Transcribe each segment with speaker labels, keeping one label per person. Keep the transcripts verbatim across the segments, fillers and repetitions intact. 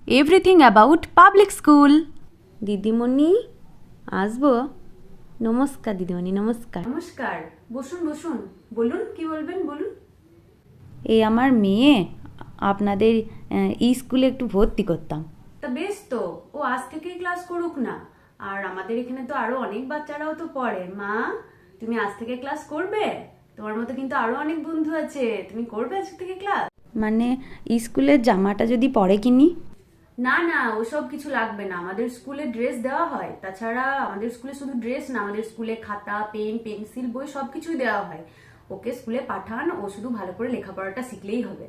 Speaker 1: Everything about public school. দিদিমণি আসবো? নমস্কার দিদিমণি, নমস্কার।
Speaker 2: নমস্কার, বসুন বসুন। বলুন, কি বলবেন বলুন।
Speaker 1: এই আমার মেয়ে আপনাদের ই স্কুলে একটু ভর্তি করতাম।
Speaker 2: তা বেশ তো, ও আজ থেকেই ক্লাস করুক না। আর আমাদের এখানে তো আরো অনেক বাচ্চারাও তো পড়ে। মা, তুমি আজ থেকে ক্লাস করবে? তোমার মতো কিন্তু আরো অনেক বন্ধু আছে, তুমি করবে আজ থেকে ক্লাস?
Speaker 1: মানে স্কুলের জামাটা যদি পরে কিনি?
Speaker 2: না না, ওসব কিছু লাগবে না, আমাদের স্কুলে ড্রেস দেওয়া হয়। তাছাড়া আমাদের স্কুলে শুধু ড্রেস না, আমাদের স্কুলে খাতা, পেন, পেন্সিল, বই সবকিছুই দেওয়া হয়। ওকে স্কুলে পাঠান, ও শুধু ভালো করে লেখাপড়াটা শিখলেই হবে।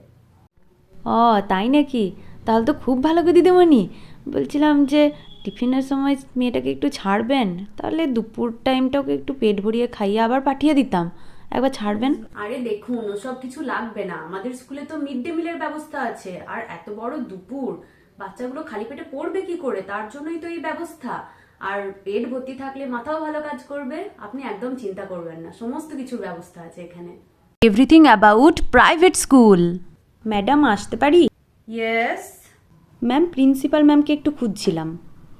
Speaker 1: ও তাই নাকি? তাহলে তো খুব ভালো গো দিদিমণি। বলছিলাম যে টিফিনের সময় মেয়েটাকে একটু ছাড়বেন, তাহলে দুপুর টাইমটা ওকে একটু পেট ভরিয়ে খাইয়ে আবার পাঠিয়ে দিতাম। একবার ছাড়বেন।
Speaker 2: আরে দেখুন, ওসব কিছু লাগবে না, আমাদের স্কুলে তো মিড ডে মিলের ব্যবস্থা আছে। আর এত বড় দুপুর বাচ্চাগুলো খালি পেটে পড়বে কি করে, তার জন্যই তো এই ব্যবস্থা। আর পেট ভর্তি থাকলে মাথাও ভালো কাজ করবে। আপনি একদম চিন্তা করবেন না, সমস্ত কিছুর ব্যবস্থা আছে এখানে।
Speaker 1: Everything about private school. Madam আসতে পারি?
Speaker 2: ইয়েস,
Speaker 1: ম্যাম, প্রিন্সিপাল ম্যামকে একটু খুঁজছিলাম।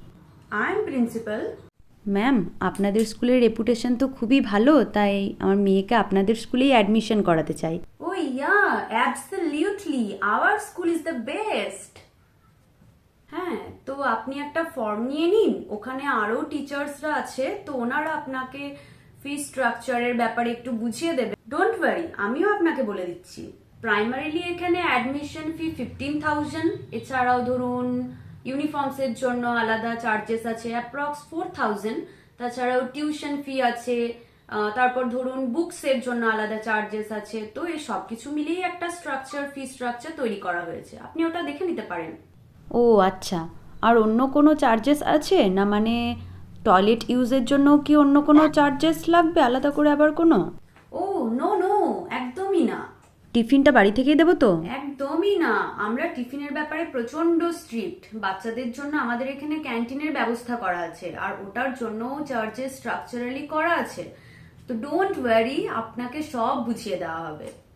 Speaker 2: I am principal.
Speaker 1: ম্যাম, আপনাদের স্কুলের রেপুটেশন তো খুবই ভালো, তাই আমার মেয়েকে আপনাদের স্কুলেই অ্যাডমিশন করাতে চাই।
Speaker 2: Oh yeah, absolutely, our school is the best. হ্যাঁ, তো আপনি একটা ফর্ম নিয়ে নিন, ওখানে আরো টিচার্সরা আছে, তো ওনারা আপনাকে ফি স্ট্রাকচারের ব্যাপারে একটু বুঝিয়ে দেবে। ডোন্ট ওয়ারি, আমিও আপনাকে বলে দিচ্ছি। প্রাইমারিলি এখানে অ্যাডমিশন ফি ফিফটিন থাউজেন্ড। এছাড়াও ধরুন ইউনিফর্মস এর জন্য আলাদা চার্জেস আছে অ্যাপ্রক্স ফোর থাউজেন্ড। তাছাড়াও টিউশন ফি আছে। আহ, তারপর ধরুন বুকস এর জন্য আলাদা চার্জেস আছে। তো এই সবকিছু মিলিয়ে একটা স্ট্রাকচার, ফি স্ট্রাকচার তৈরি করা হয়েছে, আপনি ওটা দেখে নিতে পারেন।
Speaker 1: ও আচ্ছা, আর অন্য কোনো চার্জেস আছে না? মানে টয়লেট ইউজের জন্য কি অন্য কোনো চার্জেস লাগবে আলাদা করে আবার কোনো?
Speaker 2: ও নো নো, একদমই না।
Speaker 1: টিফিনটা বাড়ি থেকেই দেবো তো?
Speaker 2: একদমই না, আমরা টিফিনের ব্যাপারে প্রচন্ড স্ট্রিক্ট। বাচ্চাদের জন্য আমাদের এখানে ক্যান্টিনের ব্যবস্থা করা আছে, আর ওটার জন্য চার্জেস স্ট্রাকচারালি করা আছে। তো ডোন্ট ওয়ারি, আপনাকে সব বুঝিয়ে দেওয়া হবে।